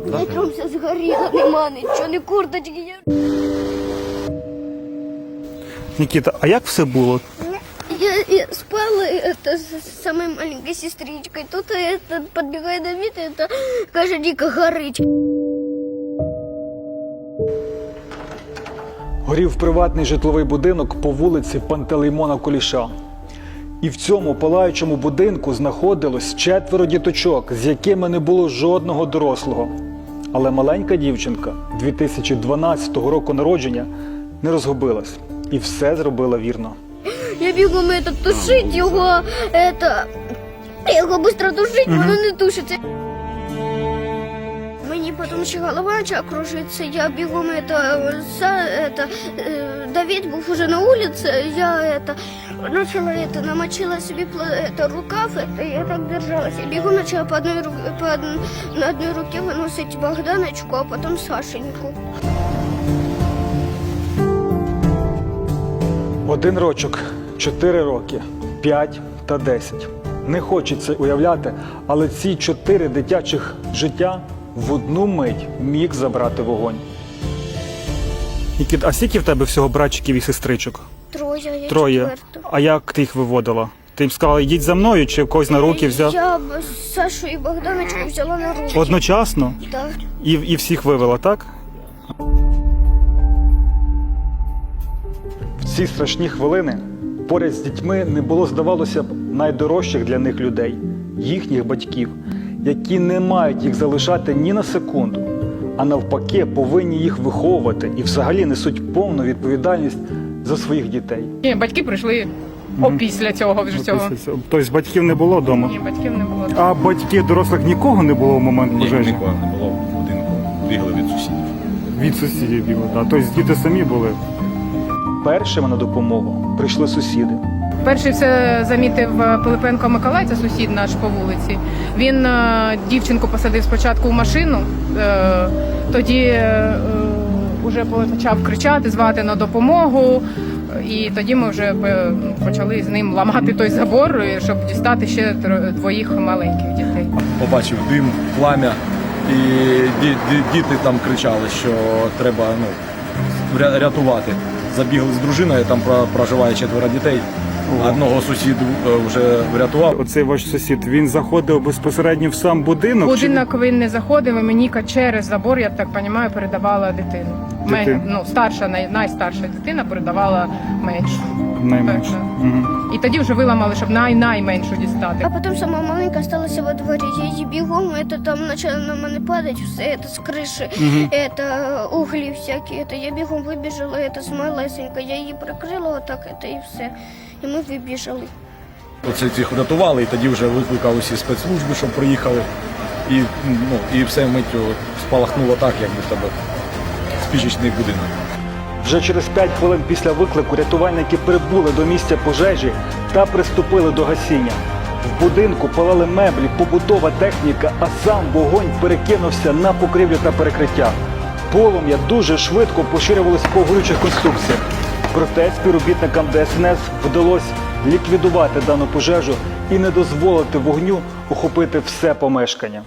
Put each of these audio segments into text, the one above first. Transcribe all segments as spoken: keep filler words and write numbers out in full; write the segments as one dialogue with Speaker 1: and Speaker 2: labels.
Speaker 1: Да?
Speaker 2: Утром все згоріло, нема нічого, ні курточки.
Speaker 1: Нікіта, а як все було?
Speaker 2: Я, я спала это, с самой маленькой сестричкой. Тут это, подбегает Давид, и это, кажется, дико горить.
Speaker 3: Горів приватний житловий будинок по вулиці Пантелеймона Куліша. І в цьому палаючому будинку знаходилось четверо діточок, з якими не було жодного дорослого. Але маленька дівчинка дві тисячі дванадцятого року народження не розгубилась і все зробила вірно.
Speaker 2: Я бігом это, тушить його, это, його швидко тушить, воно не тушиться. Мені потім ще голова почала кружитися, я бігом это, за, это, э, Давид був уже на вулиці, я это, начала это, намочила собі это, рукав, это, я так держалась, я бігом почала по одной, по одной, на одной руке виносити Богданочку, а потім Сашеньку.
Speaker 3: Один рочок, чотири роки, п'ять та десять. Не хочеться уявляти, але ці чотири дитячих життя в одну мить міг забрати вогонь.
Speaker 1: Нікіта, а скільки в тебе всього братчиків і сестричок?
Speaker 2: Троє, я
Speaker 1: Троє.
Speaker 2: четверта.
Speaker 1: А як ти їх виводила? Ти їм сказала, йдіть за мною, чи когось на руки взяв?
Speaker 2: Я б Сашу і Богданочку взяла на руки.
Speaker 1: Одночасно?
Speaker 2: Так.
Speaker 1: І, і всіх вивела, так?
Speaker 3: В ці страшні хвилини поряд з дітьми не було, здавалося б, найдорожчих для них людей – їхніх батьків, які не мають їх залишати ні на секунду, а навпаки повинні їх виховувати і взагалі несуть повну відповідальність за своїх дітей.
Speaker 4: Ні, батьки прийшли опісля цього вже цього.
Speaker 1: Тобто батьків не було вдома?
Speaker 4: Ні, батьків не було.
Speaker 1: А батьків дорослих нікого не було в момент
Speaker 5: Ні,
Speaker 1: пожежі?
Speaker 5: нікого не було в будинку. Бігли від сусідів.
Speaker 1: Від сусідів бігли, так. Тобто діти самі були?
Speaker 3: Першими на допомогу прийшли сусіди.
Speaker 4: Перший все замітив Пилипенко Миколай, це сусід наш по вулиці. Він е, дівчинку посадив спочатку в машину, е, тоді е, вже почав кричати, звати на допомогу. І тоді ми вже е, почали з ним ламати той забор, щоб дістати ще тро- двоїх маленьких дітей.
Speaker 5: Побачив дим, плам'я, і ді- ді- діти там кричали, що треба ну, ря- рятувати. Забігли з дружиною, там про- проживає четверо дітей. Одного сусіду е, вже врятував.
Speaker 1: Оцей ваш сусід, він заходив безпосередньо в сам будинок?
Speaker 4: Будинок він не заходив, і мені через забор, я так розумію, передавала дитину. Мен-
Speaker 1: Дитину.
Speaker 4: ну, старша, най- найстарша дитина передавала меншу.
Speaker 1: Чи найменше?
Speaker 4: Так,
Speaker 1: Угу.
Speaker 4: І тоді вже виламали, щоб най найменшу дістати.
Speaker 2: А потім сама маленька осталася во дворі. Я її бігом, это, там почало на мене падати все, это, з криші,
Speaker 1: Мгм.
Speaker 2: это, углі всякі. Это, я бігом вибіжала, это, з малесенька. Я її прикрила отак, это, і все. І ми вибіжали.
Speaker 5: Оце цих врятували, і тоді вже викликали усі спецслужби, щоб приїхали. І, ну, і все миттю спалахнуло так, як би в тебе спічечний будинок.
Speaker 3: Вже через п'ять хвилин після виклику рятувальники прибули до місця пожежі та приступили до гасіння. В будинку палали меблі, побутова техніка, а сам вогонь перекинувся на покрівлю та перекриття. Полум'я дуже швидко поширювалося по горючих конструкціях. Проте співробітникам Де Ес Ен Ес вдалося ліквідувати дану пожежу і не дозволити вогню охопити все помешкання.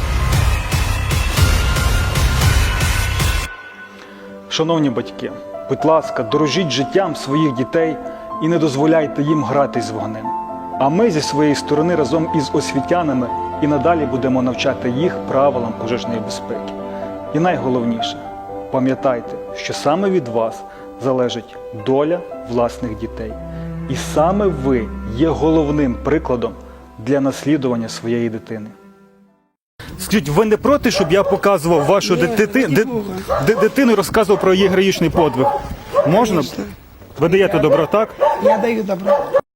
Speaker 3: Шановні батьки, будь ласка, дорожіть життям своїх дітей і не дозволяйте їм гратись з вогнем. А ми зі своєї сторони разом із освітянами і надалі будемо навчати їх правилам пожежної безпеки. І найголовніше, пам'ятайте, що саме від вас залежить доля власних дітей. І саме ви є головним прикладом для наслідування своєї дитини.
Speaker 1: Скажіть, ви не проти, щоб я показував вашу дити... ди... ди- дитину і розказував про її героїчний подвиг? Можна? Ви даєте добро, так?
Speaker 6: Я даю добро.